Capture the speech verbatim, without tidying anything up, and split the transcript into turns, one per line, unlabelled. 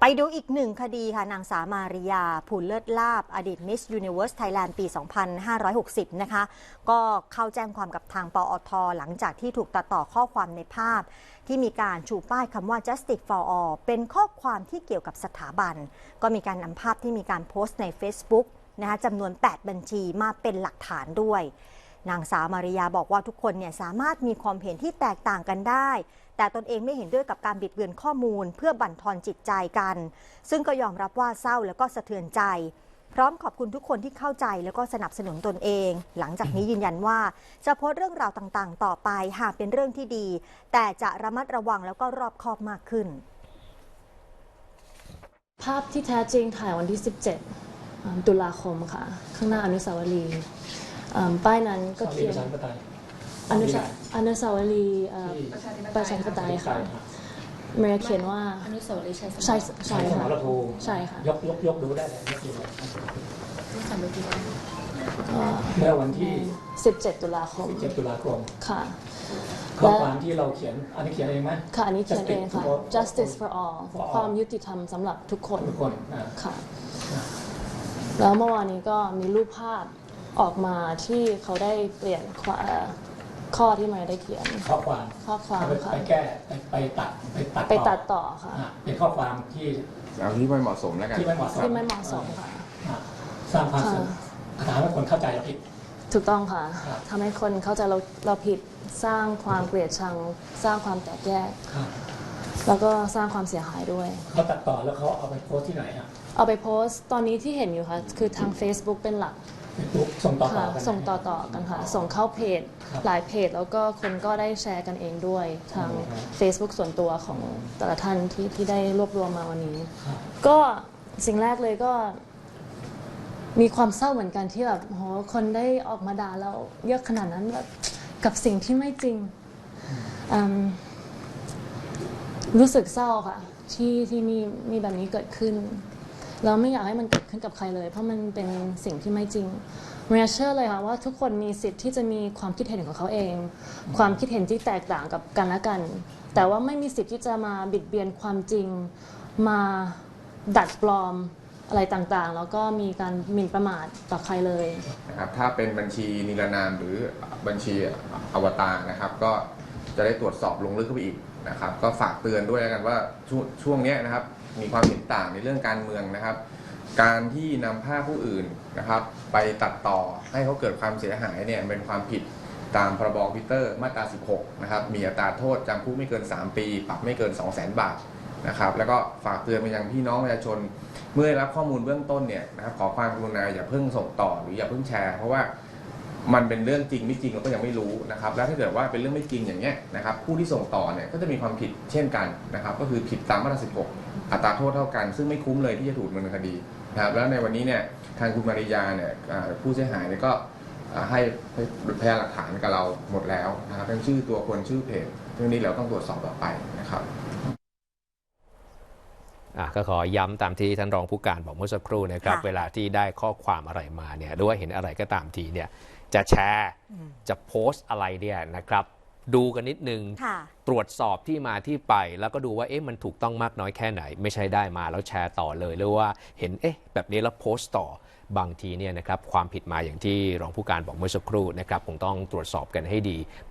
ไปดูอีกหนึ่งคดีค่ะนางสาวมาริยาภูลเลิศลาภอดีต Miss Universe Thailand ปี สองพันห้าร้อยหกสิบ นะคะก็เข้าแจ้งความกับทางปอท.หลังจากที่ถูกตัดต่อข้อความในภาพที่มีการชูป้ายคำว่า Justice for All เป็นข้อความที่เกี่ยวกับสถาบันก็มีการนำภาพที่มีการโพสต์ใน Facebook นะคะจำนวน แปด บัญชีมาเป็นหลักฐานด้วยนางสาวมาริยาบอกว่าทุกคนเนี่ยสามารถมีความเห็นที่แตกต่างกันได้แต่ตนเองไม่เห็นด้วยกับการบิดเบือนข้อมูลเพื่อบั่นทอนจิตใจกันซึ่งก็ยอมรับว่าเศร้าแล้วก็สะเทือนใจพร้อมขอบคุณทุกคนที่เข้าใจแล้วก็สนับสนุนตนเองหลังจากนี้ยืนยันว่าจะโพสต์เรื่องราวต่างๆต่อไปหากเป็นเรื่องที่ดีแต่จะระมัดระวังแล้วก็รอบคอบมากขึ้น
ภาพที่แท้จริงถ่ายวันที่สิบเจ็ดตุลาคมค่ะข้างหน้าอนุสาวรีย์ป้ายนั้นก็เขียนอนุสาอนุสาวรีย์ประชาธิปไตยค่ะเมย์เขียนว่า
อนุสาวรีย์ชัยสมร
ใช่ใช่ค่ะใช่ค่ะ
ยกยกยกดูได้เลยยกดู
ก็
เมื่อวันที่
สิบเจ็ดตุลาคม
สิบเจ็ดตุลาคม
ค่ะ
ข้อความที่เราเขียนอันนี้เขียนเองไหม
ค่ะอันนี้เขียนเองค่ะ justice for all ความยุติธรรมสำหรับทุกคน
ทุกคน
ค่ะแล้วเมื่อวานนี้ก็มีรูปภาพออกมาที่เขาได้เปลี่ยนข้อที่มาได้เขียน
ข้อความ
ข้อความ
ไปแก้ไปตัดไปตัด
ไปตัดต่อค่ะ
เป็นข้อความที่
เอาที่ไม่เหมาะสมแล้วกัน
ที่ไม่เหมาะสม
ที่ไม่เหมาะสมค่ะ
สร้างความทำให้คนเข้าใจเราผิด
ถูกต้องค่ะทำให้คนเข้าใจเราเราผิดสร้างความเกลียดชังสร้างความแตกแยกแล้วก็สร้างความเสียหายด้วย
เขาตัดต่อแล้วเขาเอาไปโพสที่ไหนครับ
เอาไปโพสตอนนี้ที่เห็นอยู่ค่ะคือทาง Facebook เป็นหลัก
ส่งต่อๆกัน
ส่งต่อๆกันค่ะส่งเข้าเพจหลายเพจแล้วก็คนก็ได้แชร์กันเองด้วยทาง Facebook ส่วนตัวของแต่ละท่านที่ที่ได้รวบรวมมาวันนี้ก็สิ่งแรกเลยก็มีความเศร้าเหมือนกันที่แบบโหคนได้ออกมาด่าเราเยอะขนาดนั้นแบบกับสิ่งที่ไม่จริงรู้สึกเศร้าค่ะที่ที่มีมีแบบนี้เกิดขึ้นเราไม่อยากให้มันเกิดขึ้นกับใครเลยเพราะมันเป็นสิ่งที่ไม่จริงเรียเชื่อเลยค่ะว่าทุกคนมีสิทธิ์ที่จะมีความคิดเห็นของเขาเองความคิดเห็นที่แตกต่างกับกันและกันแต่ว่าไม่มีสิทธิ์ที่จะมาบิดเบียนความจริงมาดัดปลอมอะไรต่างๆแล้วก็มีการหมิ่นประมาทต่อใครเลย
นะครับถ้าเป็นบัญชีนิรนามหรือบัญชีอวตารนะครับก็จะได้ตรวจสอบลงลึกเข้าไปอีกนะครับก็ฝากเตือนด้วยกันว่าช่วงนี้นะครับมีความเห็นต่างในเรื่องการเมืองนะครับการที่นำภาพผู้อื่นนะครับไปตัดต่อให้เขาเกิดความเสียหายเนี่ยเป็นความผิดตามพรบคอมพิวเตอร์มาตราสิบหกนะครับมีอัตราโทษจำคุกไม่เกินสามปีปรับไม่เกิน สองแสน บาทนะครับแล้วก็ฝากเตือนไปยังพี่น้องประชาชนเมื่อได้รับข้อมูลเบื้องต้นเนี่ยนะครับขอความกรุณาอย่าเพิ่งส่งต่อหรืออย่าเพิ่งแชร์เพราะว่ามันเป็นเรื่องจริงไม่จริงเราก็ยังไม่รู้นะครับแล้วถ้าเกิดว่าเป็นเรื่องไม่จริงอย่างเงี้ยนะครับผู้ที่ส่งต่อเนี่ยก็จะมีความผิดเช่นกันนะครับก็คือผิดตามมาตราสิบหกอัตราโทษเท่ากันซึ่งไม่คุ้มเลยที่จะถูกดำเนินคดีนะครับแล้วในวันนี้เนี่ยทางคุณมาริยาเนี่ยผู้เสียหายเนี่ยก็ให้พยานหลักฐานกับเราหมดแล้วนะครับทั้งชื่อตัวคนชื่อเพจเรื่องนี้เราต้องตรวจสอบต่อไปนะครับ
ก็ขอย้ำตามที่ท่านรองผู้การบอกเมื่อสักครู่นะครับเวลาที่ได้ข้อความอะไรมาเนี่ยหรือว่าเห็นอะไรก็ตามทีเนี่ยจะแชร์จะโพสต์อะไรเนี่ยนะครับดูกันนิดนึงตรวจสอบที่มาที่ไปแล้วก็ดูว่าเอ๊ะมันถูกต้องมากน้อยแค่ไหนไม่ใช่ได้มาแล้วแชร์ต่อเลยหรือว่าเห็นเอ๊ะแบบนี้แล้วโพสต์ต่อบางทีเนี่ยนะครับความผิดมาอย่างที่รองผู้การบอกเมื่อสักครู่นะครับคงต้องตรวจสอบกันให้ดี